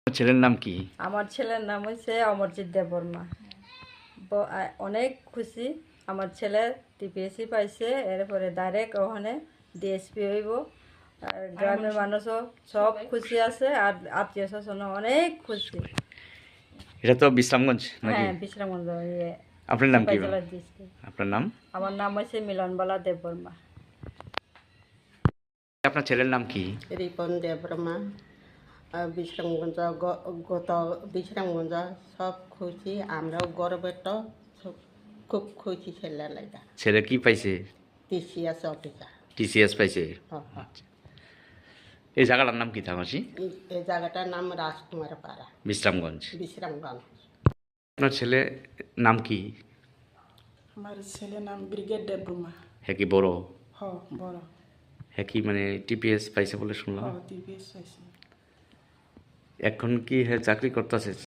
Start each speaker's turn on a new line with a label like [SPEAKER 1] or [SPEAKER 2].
[SPEAKER 1] আপনার ছেলের নাম কি?
[SPEAKER 2] আমার ছেলের নাম হচ্ছে অমরজিৎ দেববর্মা। অনেক খুশি আমার ছেলে টিপিএসসি পাইছে, এরপরে ডাইরেক্ট ওখানে ডিএসপি হইব। আর গ্রামের মানুষও সব খুশি আছে, আর আত্মীয় স্বজনও অনেক খুশি।
[SPEAKER 1] এটা তো বিশ্রামগঞ্জ নাকি?
[SPEAKER 2] হ্যাঁ, বিশ্রামগঞ্জ
[SPEAKER 1] আপনার নাম কি?
[SPEAKER 2] জেলার ডিস্ট্রিক্ট।
[SPEAKER 1] আপনার নাম?
[SPEAKER 2] আমার নাম হচ্ছে মিলনবালা দেববর্মা।
[SPEAKER 1] আপনার ছেলের নাম কি?
[SPEAKER 3] রিপন দেববর্মা। বিশ্রামগঞ্জ গত বিশ্রামগঞ্জ সব খুশি, আমরাও গর্বিত, খুব খুশি ছেলে লাগা।
[SPEAKER 1] ছেলে কি পাইছে?
[SPEAKER 3] TCS officer.
[SPEAKER 1] টিসিএস পাইছে। আচ্ছা। এই জায়গাটার নাম কি থামাসি?
[SPEAKER 3] এই জায়গাটার নাম রাজকুমার পাড়া,
[SPEAKER 1] বিশ্রামগঞ্জ।
[SPEAKER 3] বিশ্রামগঞ্জ।
[SPEAKER 1] আপনার ছেলে নাম কি?
[SPEAKER 4] আমার ছেলের নাম ব্রিগেড দেববর্মা।
[SPEAKER 1] হ্যাঁ কি বড়?
[SPEAKER 4] বড়।
[SPEAKER 1] হ্যাঁ কি মানে টিপিএস পাইছে বলে শুনলাম।
[SPEAKER 4] টিভিএস আছে।
[SPEAKER 1] এখন কি হ্যাঁ চাকরি করতেছে